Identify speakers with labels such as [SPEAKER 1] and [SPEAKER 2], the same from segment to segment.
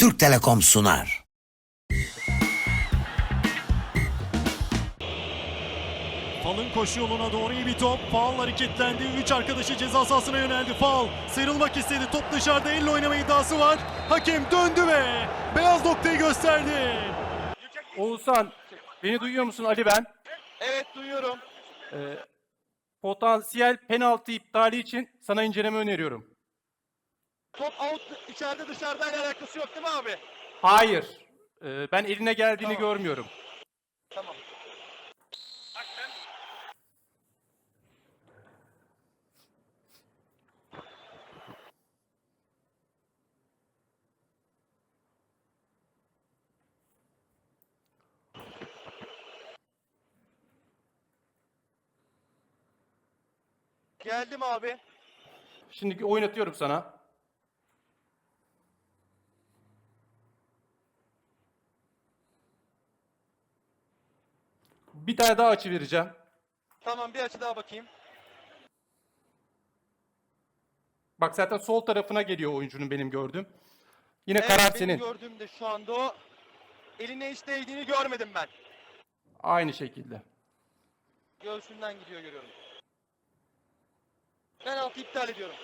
[SPEAKER 1] Türk Telekom sunar.
[SPEAKER 2] Fal'ın koşu yoluna doğru iyi bir top. Fal hareketlendi. 3 arkadaşı ceza sahasına yöneldi. Fal sıyrılmak istedi. Top dışarıda, elle oynama iddiası var. Hakem döndü ve beyaz noktayı gösterdi.
[SPEAKER 3] Oğuzhan, beni duyuyor musun? Ali ben.
[SPEAKER 4] Evet, duyuyorum.
[SPEAKER 3] Potansiyel penaltı iptali için sana inceleme öneriyorum.
[SPEAKER 4] Top out, içeride dışarıdayla alakası yok değil mi abi?
[SPEAKER 3] Hayır. Ben eline geldiğini
[SPEAKER 4] Tamam.
[SPEAKER 3] görmüyorum.
[SPEAKER 4] Tamam. Geldim abi.
[SPEAKER 3] Şimdi oynatıyorum sana. Bir tane daha açı vereceğim.
[SPEAKER 4] Tamam, bir açı daha bakayım.
[SPEAKER 3] Bak zaten sol tarafına geliyor oyuncunun benim gördüğüm. Yine
[SPEAKER 4] Evet,
[SPEAKER 3] karar
[SPEAKER 4] benim
[SPEAKER 3] senin.
[SPEAKER 4] gördüğümde şu anda o eline hiç değdiğini görmedim ben.
[SPEAKER 3] Aynı şekilde.
[SPEAKER 4] Göğsünden gidiyor görüyorum. Penaltı iptal ediyorum.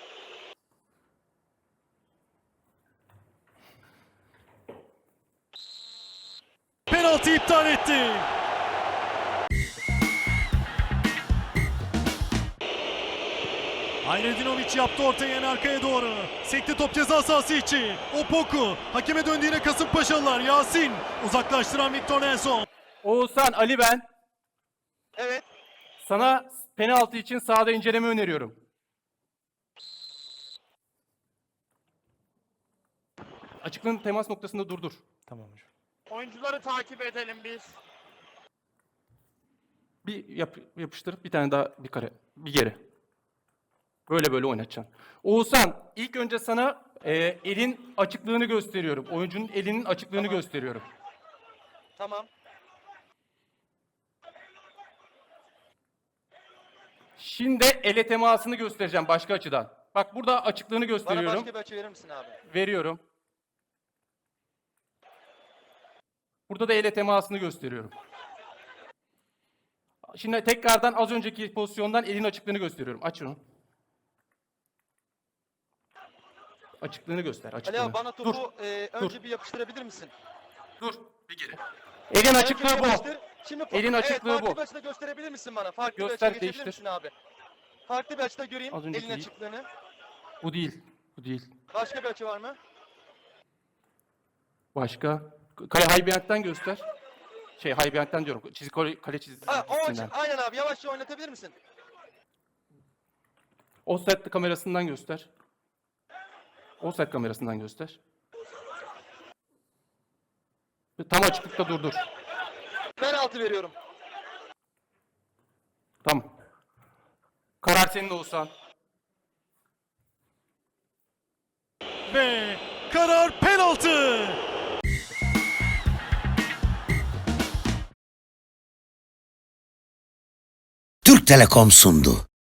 [SPEAKER 2] Penaltı iptal etti. Hayredinovic yaptı ortaya, en arkaya doğru. Sekti top ceza sahası içi. Opoku. Hakeme döndü yine Kasımpaşalılar. Yasin. Uzaklaştıran Victor Nelson.
[SPEAKER 3] Oğuzhan, Ali ben.
[SPEAKER 4] Evet.
[SPEAKER 3] Sana penaltı için sahada inceleme öneriyorum. Açıklığın temas noktasında durdur. Tamam hocam.
[SPEAKER 4] Oyuncuları takip edelim biz.
[SPEAKER 3] Bir yapıştır, bir tane daha bir kare, bir geri. Böyle oynatacaksın. Oğuzhan, ilk önce sana elin açıklığını gösteriyorum. Oyuncunun elinin açıklığını
[SPEAKER 4] Tamam.
[SPEAKER 3] gösteriyorum.
[SPEAKER 4] Tamam.
[SPEAKER 3] Şimdi ele temasını göstereceğim başka açıdan. Bak burada açıklığını
[SPEAKER 4] Bana
[SPEAKER 3] gösteriyorum.
[SPEAKER 4] başka bir açı verir misin abi?
[SPEAKER 3] Veriyorum. Burada da ele temasını gösteriyorum. Şimdi tekrardan az önceki pozisyondan elin açıklığını gösteriyorum. Aç şunu. Açıklığını göster,
[SPEAKER 4] Ali
[SPEAKER 3] açıklığını.
[SPEAKER 4] abi, bana
[SPEAKER 3] Dur,
[SPEAKER 4] topu önce bir yapıştırabilir misin?
[SPEAKER 3] dur, bir geri. Elin açıklığı
[SPEAKER 4] Önce
[SPEAKER 3] bu.
[SPEAKER 4] yapıştır. Şimdi
[SPEAKER 3] Elin açıklığı
[SPEAKER 4] farklı
[SPEAKER 3] bu.
[SPEAKER 4] bir açıda gösterebilir misin bana? Farklı bir
[SPEAKER 3] Göster,
[SPEAKER 4] açıya geçebilir
[SPEAKER 3] değiştir.
[SPEAKER 4] misin abi? Farklı bir açıda göreyim
[SPEAKER 3] Az önceki
[SPEAKER 4] elin
[SPEAKER 3] değil.
[SPEAKER 4] açıklığını.
[SPEAKER 3] Bu değil, bu değil.
[SPEAKER 4] Başka bir açı var mı?
[SPEAKER 3] Başka? Kale Haybiyant'tan göster. Haybiyant'tan diyorum. Kale
[SPEAKER 4] Ha, o açı.
[SPEAKER 3] çizgisinden.
[SPEAKER 4] Aynen abi, yavaşça oynatabilir misin?
[SPEAKER 3] Offset kamerasından göster. Offset kamerasından göster. Tam açıklıkta durdur.
[SPEAKER 4] Penaltı veriyorum.
[SPEAKER 3] Tamam. Karar senin de Oğuzhan.
[SPEAKER 2] Ve karar penaltı.
[SPEAKER 1] Türk Telekom sundu.